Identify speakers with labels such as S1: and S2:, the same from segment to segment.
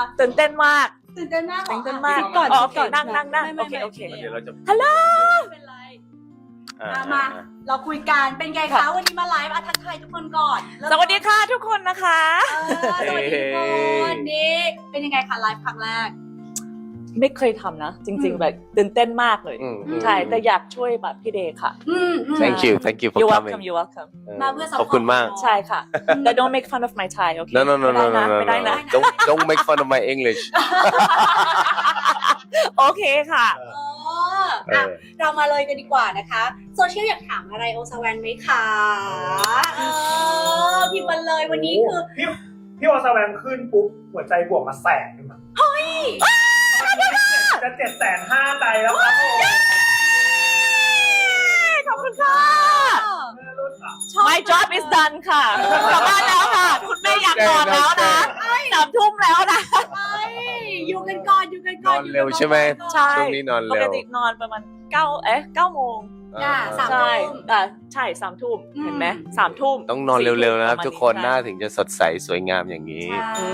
S1: ตื่นเต้นมาก
S2: ตื่นเต้นมาก
S1: ตื่นเต้นมาก
S2: ก่อน
S1: อ๋อก่อนนั่งโอเคโอเค
S3: เดี๋ยวเราจะ
S1: ฮัลโหล
S2: ไม่เป็นไรมาเราคุยกันเป็นไงคะวันนี้มาไลฟ์ทักทายทุกคนก่อน
S1: สวัสดีค่ะทุกคนนะคะ
S2: สวัสดีทุกคนนี่เป็นยังไงคะไลฟ์ครั้งแรก
S1: ไม่เคยทำนะ จริงๆแบบตื่นเต้นมากเลย ใช่แต่อยากช่วยแบบพี่เดย์ค่ะ
S3: thank you for
S1: You're
S3: coming
S1: welcome You're welcome
S2: มาเพื่อ support
S3: ขอบคุณมาก
S1: ใช่ค่ะแต่ don't make fun of my Thai โอเค
S3: no
S1: ไม่ได้นะ
S3: don't make fun of my English
S1: โอเคค่ะ
S2: เรามาเลยกันดีกว่านะคะโซเชียลอยากถามอะไรโอซาแวนไหมคะพิมพ์มาเลยวันนี้คือ
S4: พี่วอสแวงขึ้นปุ๊บหัวใจบวกมาแสนนึงเฮ้ยจะ750,000ใจแล้วครับ
S1: ขอบคุณค่ะ My job is done ค่ะกลับบ้านแล้วค่ะ คุณแม่อยากนอนแล้วนะ3 ทุ่มแล้วนะ
S2: อยู่กันก่อน
S3: นอนเร็วใช่ไหม
S1: ใช่
S3: ช่วงนี้นอน
S1: ป
S3: เร็
S1: ก
S3: ว
S1: ตินอนประมาณ9 โมง
S2: 3
S1: ใช่
S2: ทุ่ม
S1: ใช่3 ทุ่มเห็นไหม3 ทุ่ม
S3: ต้องนอนเร็วๆนะครับ
S1: 4
S3: ทุกคน หน้าถึงจะสดใสสวยงามอย่างนี้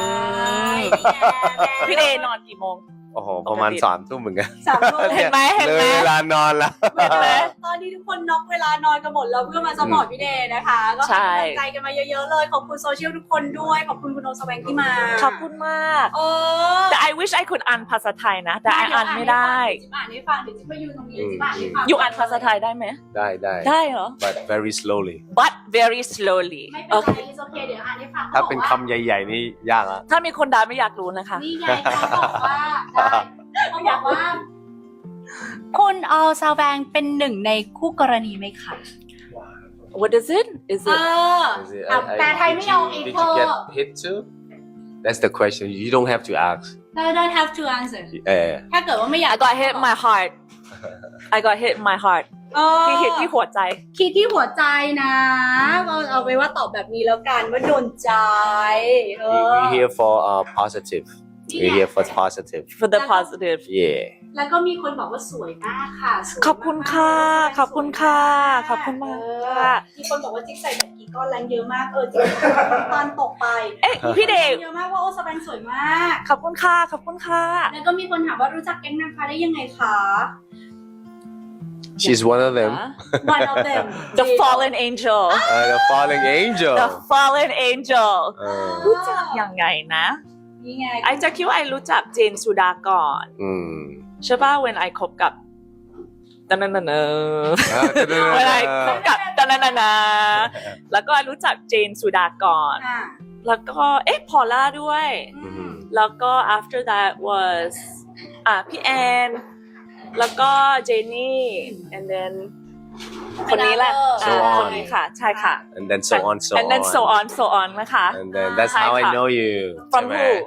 S1: พี่เดย์นอนกี่โมง
S3: โอ้โห ประมาณ3 ทุ่มเหมือนกัน
S2: 3 ทุ่ม
S1: เห็นไหม
S3: เลยเวลานอนแล้ว
S1: เห็นไหม
S2: ตอนนี้ทุกคนน็อกเวลานอนกันหมดแล้วเพื่อมาสปอร์ตพี่เดย์นะคะก็ให้กำลังใจกันมาเยอะๆเลยขอบคุณโซเชียลทุกคนด้วยขอบคุณคุณโอซาแวงที่มา
S1: ขอบคุณมากแต่ I wish I could อ่านภาษาไทยนะ แต่ I อ่านไม่ได้
S2: จิ๊บอ่านให้ฟังเดี๋ยวจิ๊บมายืนตรงนี้จิ๊บอ่านให้ฟัง
S1: อยู่อ่านภาษาไทยได้ไหม
S3: ได้
S1: ได้เหรอ
S3: but very slowly
S1: but very slowly
S2: ไม่เป็นไรโอเคเดี๋ยวอ่านให้ฟัง
S3: ถ้าเป็นคำใหญ่ๆนี่ยากละ
S1: ถ้ามีคนด่าไม่อยากรู้นะคะ
S2: นี่ไงเขาบอกว่าได้เขาบอกว่าคุณโอซาแวงเป็นหนึ่งในคู่กรณีไหมคะ
S1: What is it Is it
S2: แปลไทยไม่เอาเอง
S3: Did
S2: เธ
S3: you
S2: อ
S3: get hit too That's the question you don't have to ask
S2: I don't have to answer ถ้าเกิดว่าไม่อยาก
S1: I got hit in my heart I got hit in my heart ที่ hit ที่หัวใจ
S2: คิดที่หัวใจนะเอาไว้ว่าตอบแบบนี้แล้วกันว่าโดนใจ
S3: We here for positive We here for positive
S1: for the positive
S3: Yeah
S2: แล้วก็มีคนบอกว่าสวยมากค่ะสวยมาก
S1: ขอบคุณค่ะขอบคุณค่ะขอบคุณมากค่ะ
S2: มีคนบอกว่าจิ๊กใส่แบบกี่ก้อนแรงเยอะมากจริงตอนตกไป
S1: เอ๊ะพี่เดย์
S2: เยอะมากว่าโอซาแวงสวยมาก
S1: ขอบคุณค่ะขอบคุณค่ะ
S2: แล้วก็มีคนถามว่ารู้จักแก๊งนางฟ้าได้ยังไงคะ
S3: She's one of them
S2: One of them
S1: The fallen angel
S3: The falling angel
S1: The fallen angel รู้จักยังไงนะ
S2: นี่ไง
S1: ไอจะคิดว่าไอรู้จักเจนสุดาก่อนใช่ป่ะ when I คบกับตะนันนะ when I คบกับตะนันนะแล้วก็รู้จักเจนสุดาก่อน แล้วก็พอลล่าด้วย แล้วก็ after that was พี่แอนแล้วก็เจนนี่ and then คนนี้แหละ
S3: So on
S1: คนนี้ค่ะใช่ค่ะ
S3: and then so on
S1: and then so on นะคะ
S3: and then that's how I know you
S1: From
S3: ใช่ไหม
S1: who?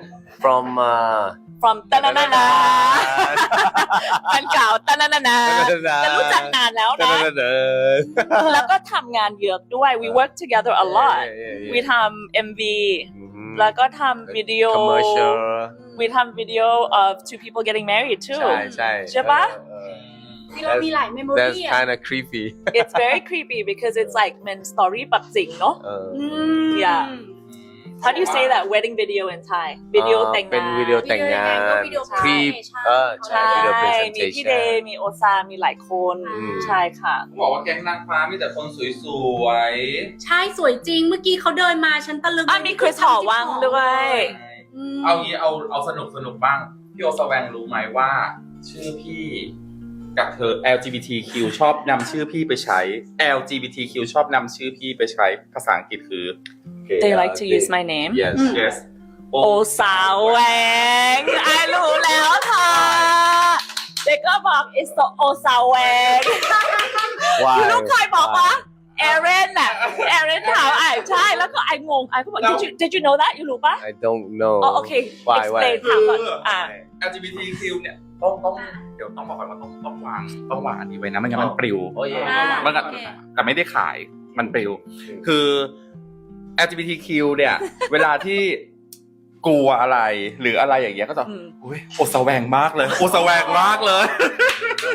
S3: From
S1: ตะนันนะแฟนเก่าตะนันนะจะรู้จักนานแล้วนะ แล้วก็ทำงานเยอะด้วย we work together a lot we ทำ MV แล้วก็ทำวิดีโอ
S3: commercial
S1: we ทำวิดีโอ of two people getting married too ใช่ปะ
S2: ที่เรามีหลายเมมโม
S3: That's
S2: รี่
S3: kind of creepy
S1: it's very creepy because it's like เป็น story แบบจริงเนาะ yeah how do you say that wedding video in Thai วิดีโอแต่ง
S3: เป็น
S1: งาน
S3: วิดีโอแต่งงาน creep ใช่
S1: ใช่
S3: video
S1: มีพี่เด
S3: presentation
S1: มีโอซามีหลายคนใช่ค่ะ
S5: บอกว่าแก๊งนางฟ้ามีแต่คนสวย
S2: ใช่สวยจริงเมื่อกี้เขาเดินมาฉันตะลึง
S1: มีคริสหอวังด้วย
S5: ๆเอางี้เอาสนุกบ้าง พี่โอสแวงรู้ไหมว่า ชื่อพี่กับเธอ LGBTQ ชอบนำชื่อพี่ไปใช้ LGBTQ ชอบนำชื่อพี่ไปใช้ภาษาอังกฤษคือ
S1: they like to use my name
S3: yes
S5: yes
S1: โอซาแวงไอรู้แล้วค่ะเด็กก็บอก it's the โอซาแวง
S3: Why
S1: คือลูกเคยบอกว่าเอเรนน่ะเอเรนถามไอ้ใช่แล้วก็ไอ้งงไอ้ก็บอก did you know that อยู่รู้ปะ
S3: I don't know
S1: อ๋อโอเค
S3: Why
S1: explain ถามก่อน
S5: LGBTQ เนี่ยต้องเดี๋ยวต้องบอกก่อนว่าต้องวางอันนี้ไว้นะไม่งั้นมันปลิว มันก็แต่ไม่ได้ขายมันปลิวคือ LGBTQ เนี่ย เวลาที่กลัวอะไรหรืออะไรอย่างเงี้ยก็จะโอ้ยโอสแวงมากเลยโอสแวงมากเลย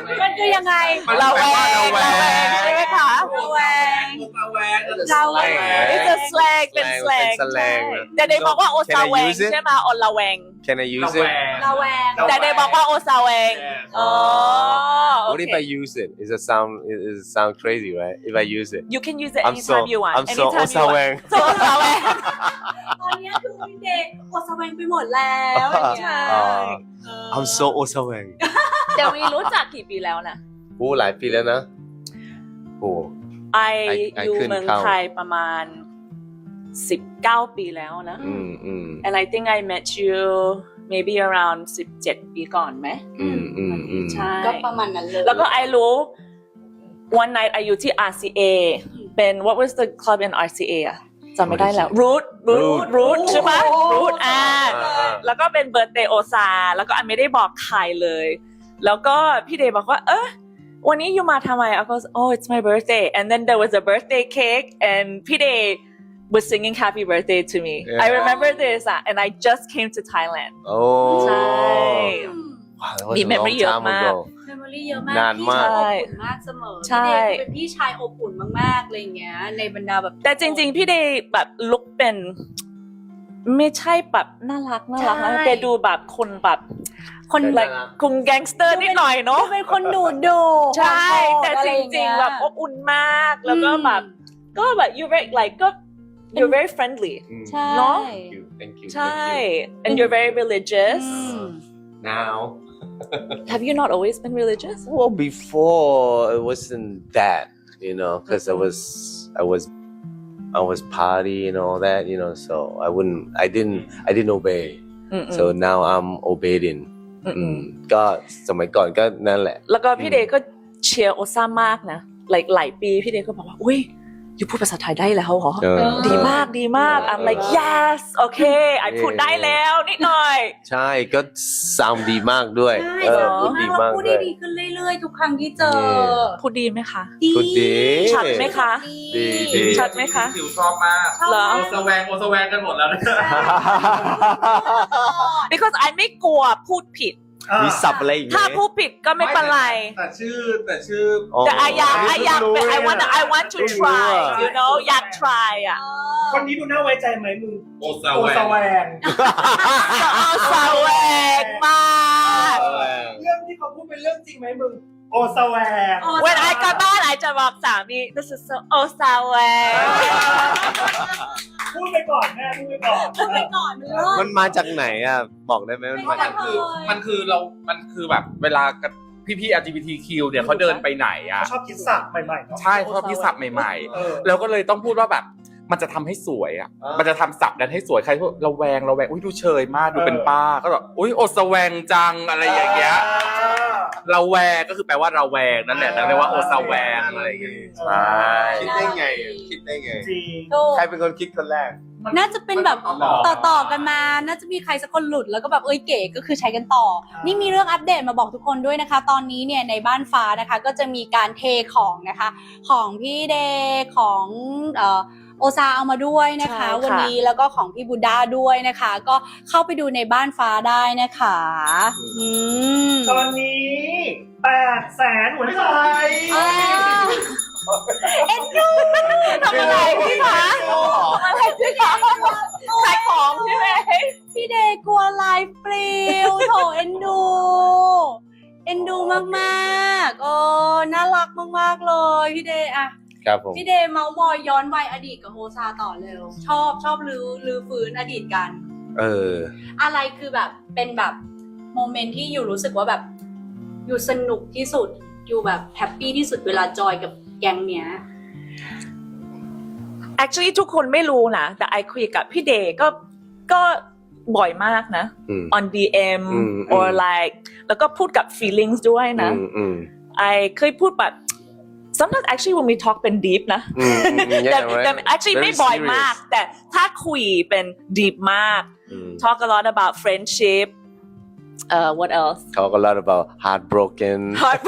S2: มันคือยังไง
S1: ระแวงใช่ไหมคะ
S2: ระแวง
S5: ระแวง
S2: ระแวง
S1: It's a slang เป็น slang
S3: เป็น slang
S1: แต่เดบอกว่าโอซาแวง
S3: Can I use it?
S1: ใช่ไหมออละแวง
S3: Can I use it?
S2: ระแวง
S1: แต่เดบอกว่าโอซาแวงอ๋อ
S3: What if I use it? Is it sound crazy, right? If I use it,
S1: You can use it
S3: I'm so
S1: anytime you want
S3: I'm so
S1: anytime you want
S3: osaweng.
S1: so โอซาแวง
S2: ตอนนี้คือพี่เดย์อดสแวงไปหมดแล้วอย่างเงี้ย
S3: I'm so osaweng.
S1: เดี๋ยววีรู้จักกี่ปีแล้วนะ
S3: โอ้หลายปีแล้วนะโอ้
S1: ไอ
S3: I
S1: อยู่
S3: couldn't
S1: เมือง
S3: count
S1: ไทยประมาณ 19 ปีแล้วนะ and I think I met you maybe around 17 ปีก่อนไหมใช่
S2: ก็ประมาณนั้นเลย
S1: แล้วก็ไอรู้ one night ไออยู่ที่ RCA เป็น what was the club in RCA อะจำไม่ได้แล้ว root ใช่ไหม root แล้วก็เป็นเบิร์ d เดย์โอซาแล้วก็ไอไม่ได้บอกใครเลย แล้วก็พี่เดย์บอกว่าวันนี้อยู่มาทำไม I was oh it's my birthday and then there was a birthday cake and พี่เดย์ was singing happy birthday to me I remember this and I just came to Thailand
S3: โอ้
S1: ใช่
S3: Wow, that was
S1: มี
S3: a
S1: memory
S3: long
S1: เยอะ
S3: time
S1: มาก
S3: ago.
S2: เมมโมรี่เยอะมาก
S3: นานมาก
S2: พี่ชายอบอุ่นมากเสมอ
S1: ใช่
S2: พี่เดย์คือเป็นพี่ชายอบอุ่นมากๆอะไรอย่างเงี้ยในบรรดาแบบ
S1: แต่จริงๆ พี่เดย์แบบลุกเป็นไม่ใช่แบบน่ารักนะแต่ดูแบบคนแบบ
S2: คน
S1: like คุมแก๊งสเตอร์นิดหน่อยเนาะ
S2: เป็นคนดูดู
S1: ใช่ แต่จริงๆ แบบอบอุ่นมาก แล้วก็แบบก็แบบ you very like ก็ you're very friendly
S2: ใช่
S1: เนอะ
S3: Thank you.
S1: ใช่ and you're very religious
S3: Now,
S1: have you not always been religious
S3: well, before it wasn't that, because I was party and all that, so I didn't obey. So now I'm obeying. ก็สมัยก่อนก็นั่นแหละ
S1: แล้วก็พี่เดย์ก็เชียร์โอซ่ามากนะหลายปีพี่เดย์ก็บอกว่าอุ้ยอยู่พูดภาษาไทยได้แล้วเหรอ ดีมากI'm like yes okay ไอพูดได้แล้วนิดหน่อย
S3: ใช่ก็ซาวดีมากด้วย
S2: ใช่
S3: พูดดีมาก
S2: พูด
S3: ด้
S2: ได้
S3: วย
S2: ดีขึ้นเรื่อยๆทุกครั้งที่เจอ
S1: พูดดีไหมคะ
S3: พูดดี
S1: ชัดไหมคะ
S3: ดี
S1: ชัดไหมคะ
S5: คิวชอบมาก
S1: เหรอ
S5: โอสแวงกันหมดแล้วนะ
S1: because ไอไม่กลัวพูดผิด
S3: มีสับอะไรอีกไหม
S1: ถ้าพูดผิดก็ไม่เป็นไร
S5: แต่ชื่อ
S1: แต่ไออยากเป็น I want to try you know อยาก try อ่ะ
S4: คนนี้ดูน่าไว้ใจไหมมึง
S5: โอส
S4: โอ
S5: แว
S4: ส
S5: ง
S4: แวง
S1: เอาสแวงมาก
S4: เรื่องที่เขาพูดเป็นเรื่องจริงไหมมึง โอสแวง
S1: when I กลับบ้านไอจะบอกสามี this is so โอสแวง
S4: พูดไปก่อนแม่พูดไปก่อน
S2: พูดไปก่อนมันเลิศ
S3: มันมาจากไหนอ่ะ บอกได้ไหมมันมาจาก
S5: มันคือแบบเวลาพี่ๆ LGBTQ เนี่ยเขาเดินไปไหนอ่ะ
S4: ชอบคิดสับใหม่ๆเนาะ
S5: ใช่ชอบที่ศัพท์ใหม่
S4: เออ
S5: ๆ แล้วก็เลยต้องพูดว่าแบบมันจะทำให้สวยอ่ะ มันจะทำศัพท์นั้นให้สวยใครพูดระแวงอุ้ยดูเชยมากดูเป็นป้าก็แบบอุ้ยโอสแวงจังอะไรอย่างเงี้ยระแวงก็คือแปลว่าระแวงนั่นแหละนั่นเรียกว่าโอสแวงอะไรอย่างเงี้ยใช่
S3: คิดได้ไง
S4: จริง
S2: ถูก
S3: ใครเป็นคนคิดคนแรก
S2: น่าจะเป็นแบบต่อกันมา น่าจะมีใครสักคนหลุดแล้วก็แบบเก๋ก็คือใช้กันต่อ นี่มีเรื่องอัปเดตมาบอกทุกคนด้วยนะคะ ตอนนี้เนี่ยในบ้านฟ้านะคะก็จะมีการเทของนะคะ ของพี่เดย์ของโอซาเอามาด้วยนะคะ
S1: ใช่ค่ะ
S2: วันนี้แล้วก็ของพี่บูด้าด้วยนะคะ ก็เข้าไปดูในบ้านฟ้าได้นะคะ
S4: ตอนนี้800,000หัวใจ
S2: เอ็นดู
S1: ทำอะไรพี่คะทำอะไรพี่คะขายของใช่ไหม
S2: พี่เดย์กลัวไลฟ์ปลิวโถเอ็นดูมากๆโอ้น่ารักมากๆเลยพี่เดย์อะ
S3: ครับผม
S2: พี่เดย์เมาส์มอยย้อนวัยอดีตกับโฮซาต่อเร็วชอบลือฟื้นอดีตกัน อะไรคือแบบเป็นแบบโมเมนต์ที่อยู่รู้สึกว่าแบบอยู่สนุกที่สุดอยู่แบบแฮปปี้ที่สุดเวลาจอยกับแก๊งเนี้ย
S1: actually ทุกคนไม่รู้นะแต่ไอคุยกับพี่เดย์ก็บ่อยมากนะ on DM or like แล้วก็พูดกับ feelings ด้วยนะไอเคยพูดแบบ sometimes actually when we talk เป็น deep นะแต่ actually ไม่บ่อยมากแต่ถ้าคุยเป็น deep มาก talk a lot about friendship what else
S3: talk a lot about heartbroken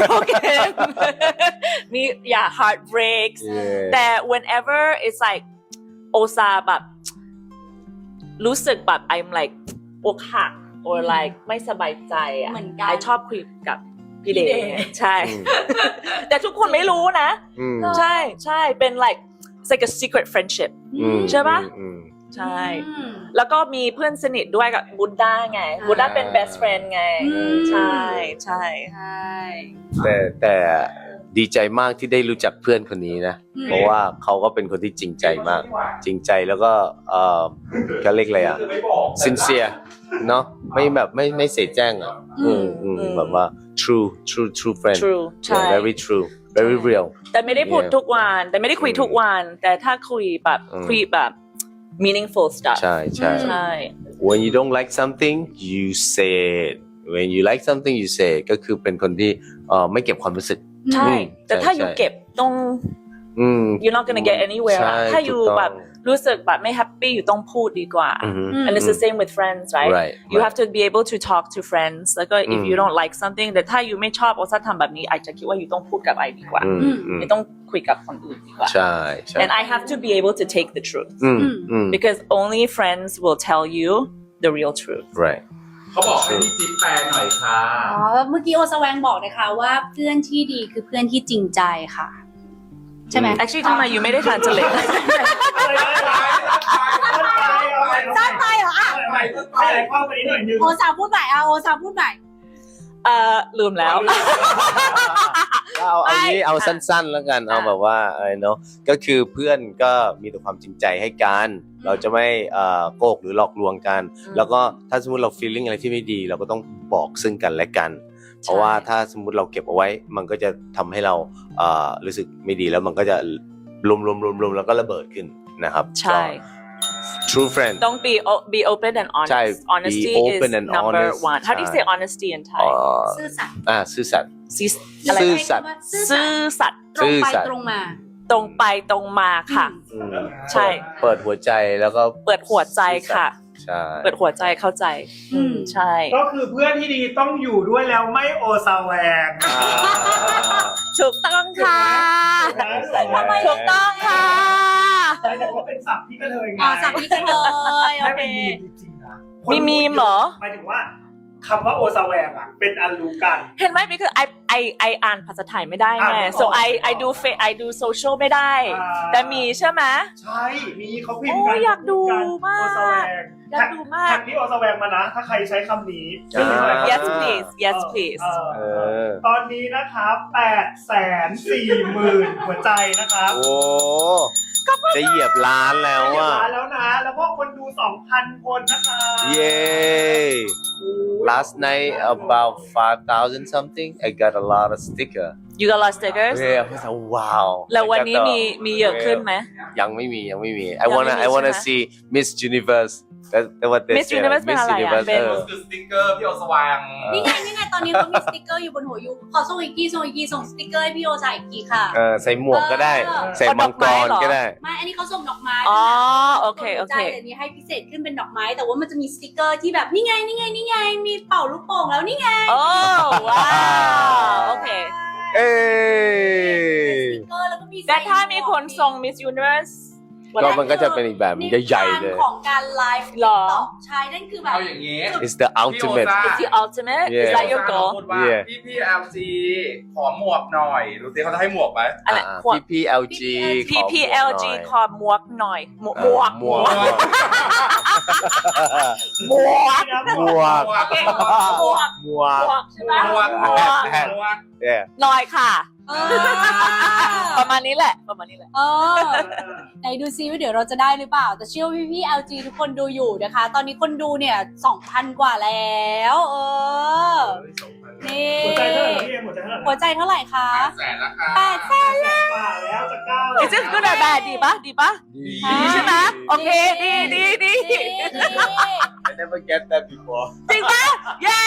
S1: me heartbreaks แต่ whenever it's like โอซาแบบรู้สึกแบบ I'm like อกหัก or like ไม่สบายใจอ่ะ
S2: เหมือนกัน
S1: ไอชอบคุยกับพี่เดย์ใช่
S3: อืม
S1: แต่ทุกคนไม่รู้นะ
S3: อืม
S1: ใช่ใช่เป็น like it's like a secret friendship
S3: อืม
S1: ใช่ปะ
S3: อืม
S1: ใช่ แล้วก็มีเพื่อนสนิทด้วยกับบูดด้าไงบูดด้าเป็น best friend ไง ใช่ใช่
S2: ใช่
S3: แต่ดีใจมากที่ได้รู้จักเพื่อนคนนี้นะ เพราะว่าเขาก็เป็นคนที่จริงใจมาก จริงใจแล้วก็เขาเรียกอะไรอ่ะ sincere เนาะไม่แบบไม่เสียแจ้งอ่ะแบบว่า true friend
S1: true ใช่
S3: Yeah, very true very real
S1: แต่ไม่ได้พูดทุกวันแต่ไม่ได้คุยทุกวัน แต่ถ้าคุยแบบ
S3: อืม
S1: คุยแบบ meaningful stuff
S3: ใช่ใช่
S1: ใช่
S3: when you don't like something you say it when you like something you say it ก็คือเป็นคนที่ไม่เก็บความรู้สึก
S1: ใช่ แต่ถ้า
S3: ใช่
S1: อยู่เก็บต้อง you're not gonna get anywhere
S3: ใช่
S1: ถ้าอยู่
S3: ถูกต้อง
S1: แบบรู้สึกแบบไม่แฮปปี้อยู่ต้องพูดดีกว่า
S3: อือฮึ
S1: and it's the same with friends right
S3: right
S1: you have to be able to talk to friends แล้วก็ if
S3: อืม
S1: you don't like something แต่ถ้าอยู่ไม่ชอบโอซาทำแบบนี้อาจจะคิดว่าอยู่ต้องพูดกับไอดีกว่า ไม่ต้องคุยกับคนอื่นดีกว่า
S3: ใช่ใช่
S1: and I have to be able to take the truth because only friends will tell you the real truth
S3: right
S5: เขาบอกให้พี่จิ๊บแปลหน่อยค่ะ
S2: อ๋อเมื่อกี้โอสแวงบอกนะคะว่าเพื่อนที่ดีคือเพื่อนที่จริงใจค่ะ ใช่ไหม
S1: actually ทำไมอยู่ไม่ได้ translate
S2: สั้นไปเหรออ่ะ
S4: ขยายความไปนิดหน่อยนึง
S2: โอซาพูดใหม่อ่ะโอซาพูดใหม่
S1: ลืมแล้ว
S3: เอานี้เอาสั้นๆแล้วกันเอาแบบว่าเนาะก็คือเพื่อนก็มีแต่ความจริงใจให้กันเราจะไม่โกหกหรือหลอกลวงกัน แล้วก็ถ้าสมมติเรา feeling อะไรที่ไม่ดี เราก็ต้องบอกซึ่งกันและกัน เพราะว่าถ้าสมมติเราเก็บเอาไว้ มันก็จะทำให้เรารู้สึกไม่ดีแล้วมันก็จะรวมแล้วก็ระเบิดขึ้นนะครับ
S1: ใช่
S3: true friend
S1: ต้อง be open and
S3: ใช่
S1: honest honesty
S3: be
S1: is
S3: open and
S1: number
S3: honest
S1: one how do you say honesty in Thai
S2: ซื่อสัตย์
S3: ซื่อสัตย์
S1: อะไร
S3: ซื่อสัตย์
S1: ซื่อสัตย์
S2: ตรงไป
S3: ซื่อสัตย์
S2: ตรงมา
S1: ตรงไปตรงมาค่ะ ใช่
S3: เปิดหัวใจแล้วก็
S1: เปิดหัวใจค่ะ
S3: ใช่
S1: เปิดหัวใจเข้าใจ ใช่
S4: ก็คือเพื่อนที่ดีต้องอยู่ด้วยแล้วไม่โอซาแวง
S1: ถูกต้องค่ะ ถูกต้องค่ะ
S4: แต่ว่าเป็นศัพท์ที่กระเทยไง
S2: อ๋อสับนี้กันเลยโอ
S4: ไม่
S2: เค
S4: เป็นมีมจริงๆนะ
S1: มีมีมเหรอ
S4: หมายถึงว่าคำว่าโอซาแวงอ่ะเป็นอันรู้กัน
S1: เห็นไหม because I อ่านภาษาไทยไม่ได้ไง so I do social ไม่ได้ แต่มีใช่ไหม
S4: ใช่มีเขาพิมพ์
S1: โอ้
S4: กั
S1: ยอยากดูมาก
S4: โอซาแวง
S1: อยากดูมาก
S4: แท็กที่โอซาแวงมานะ ถ้าใครใช้คำนี้
S1: yes please yes please
S4: ตอนนี้นะครับ840,000หัวใจนะครับ
S3: โอ้จะเหยียบล้านแล้ว
S4: เรียบ
S3: อ่ะ
S4: ร้อยแล้วนะ แล้วก็คนดู 2,000 คนนะคะ
S3: เย้ last night about 5,000 something I got a lot of sticker
S1: you got a lot of stickers
S3: yeah I was like wow
S1: แล้ววันนี้มีเยอะขึ้นไหม
S3: ยังไม่มี
S1: ยังไม่มี
S3: I wanna
S1: ใช่ไหม
S3: see Miss Universe that's what they
S1: Miss
S3: say
S1: Universe เป็นอะไรอ่ะ
S3: Universe
S1: เป็น
S5: คือสติ๊กเกอร์พี่โอสว่าง
S2: นี่ไงตอนนี้เขามีสติ๊กเกอร์อยู่บนหัวยูขอส่งอีกทีส่งสติ๊กเกอร์ให้พี่โอจ่ายอีกทีค่ะ
S3: ใส่หมวกก็ได้ ใส่มังกรก็ได้
S2: ไม่อันนี้เขาส่งดอกไม้
S1: อ๋อโอเค
S2: จ่ายแต่นี้ให้พิเศษขึ้นเป็นดอกไม้ แต่ว่ามันจะมีสติ๊กเกอร์ที่แบบนี่ไงมีเป่าลูกโป่งแล้วนี่ไง
S1: โอ้ว้าวโอเค
S3: เอ้
S2: สติ๊กเกอร์แล้วก็มี
S1: แต่ถ้ามีคนส่ง Miss Universe
S3: ก็มันก็จะเป็นอีกแบบใหญ่ๆเลย
S2: ของการไลฟ์
S1: หรอ
S2: ใช่นั่นคือแบบ
S5: เอาอย่างนี้
S3: It's the ultimate
S1: It's the ultimate
S3: Yeah
S1: is that your goal
S5: พูดว่า
S3: Yeah
S5: พี่ LG ขอหมวกหน่อยรู้สิเขาจะให้หมวกไหม
S1: อะไรขวด
S3: PPLG
S1: PPLG ขอหมวกหน่อยหมวก
S3: หมวก
S1: หมวก
S3: หมวก
S1: โอเคหมวก
S3: หมวก
S1: หมวกใช่ไหม
S5: หมวก
S1: หมวก
S3: yeah
S1: หน่อยค่ะ
S2: เออ
S1: ประมาณนี้แหละ
S2: เออไหนดูซิว่าเดี๋ยวเราจะได้หรือเปล่า แต่เชื่อว่าพี่ๆ LG ทุกคนดูอยู่นะคะ ตอนนี้คนดูเนี่ย 2,000 กว่าแล้วนี่
S4: หัวใจเท่าไหร่พี่เอ็มหัวใจเท่าไหร่
S2: หัวใจเท่าไหร่คะ
S5: แสนนะคะ
S2: 800,000
S4: แล้วจะก้าว
S1: Is it good or bad ดีปะดีใช่ไหมโอเคดี
S2: นี่
S3: I never get that before
S1: จริงปะเย้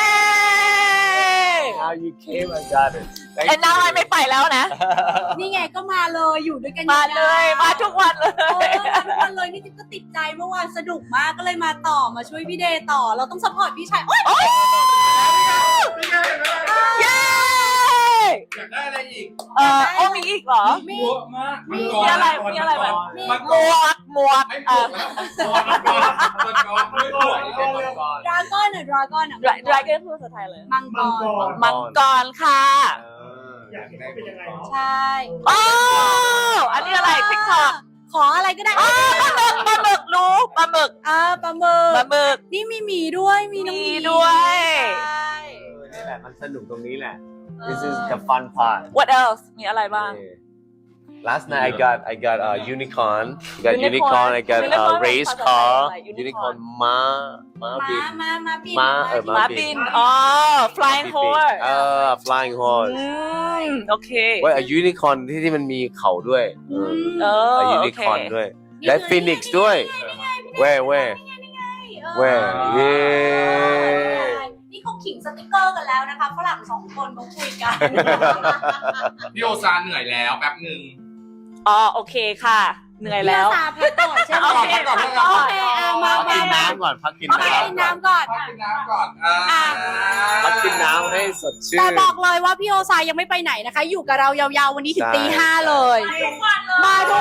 S3: Now you came I got it Thank
S1: ไอ้น้า
S3: you
S1: ไม่ไปแล้วนะ
S2: นี่ไงก็มาเลยอยู่ด้วยกัน
S1: มาเลยมาทุกวันเล
S2: เออย มาทุกวันเลยนี่จิ๊บก็ติดใจเมื่อวานสนุกมากก็เลยมาต่อมาช่วยพี่เดย์ต่อ เราต้องซัพพอร์ตพี่ชายโอ๊ย
S1: เย้
S5: อยากได้อะไรอีก
S1: โอ้มีอีกเหรอ
S5: เยอะมาก
S1: มีอะไรแบบ หมวก
S5: ไม่หมวกแล้วมังกรไม่หมวกแล้ว
S2: ดราก้อนอ่ะดราก้อนอ่ะ
S1: Dragon พูดภาษาไทยเลย
S2: มังกร
S1: มังกรค่ะ
S4: อยากเห็นว่าเป็นยังไงเนาะ
S2: ใช่
S1: โอ้อันนี้อะไร TikTok
S2: ขออะไรก็ได้
S1: ปลาหมึกรู้ปลาหมึก
S2: ปลาหมึก
S1: ปลาหมึก
S2: นี่มีหมีด้วยมีน้องห
S1: มี
S2: มี
S1: ด้วย
S2: ใช่
S3: นี่แหละมันสนุกตรงนี้แหละ This is the fun part
S1: What else มีอะไรบ้าง
S3: Last night I got a unicorn I got
S1: Unicorn.
S3: unicorn I got
S1: Unicorn
S3: a race
S1: ภาษาไทย
S3: car
S1: อะไร Unicorn
S3: unicorn ม้าบิน
S2: มาบิน
S3: ม้า
S1: ม้าบิน อ๋อ flying horse
S3: flying horse
S1: โอเค
S3: เว้ย a unicorn ที่มันมีเขาด้วย
S1: เออ
S3: a
S1: โอเค
S3: unicorn ด้วย และ phoenix ด้วยเว้ยเว้ยเย้
S2: นี่เขาขิงสติกเกอร์กันแล้วนะคะฝรั่งสองคนเขาคุยกัน
S5: พี่โอซาเหนื่อยแล้วแป๊บหนึ่ง
S1: อ๋อ โอเคค่ะ เหนื่อยแล้ว
S2: พี่อาสาพักก่อนใช่ไหม
S1: โอเค
S2: พักก่อนโอเคมา
S3: พักกินน้ำก่อนพักกิน
S2: พักกินน้ำก่อน
S5: พักกินน้ำก่อน
S3: พักกินน้ำให้สดชื่น
S2: แต่บอกเลยว่าพี่โอซายยังไม่ไปไหนนะคะ อยู่กับเรายาวๆวันนี้ถึง
S3: ใช่
S2: ตี 5เลย มาทุก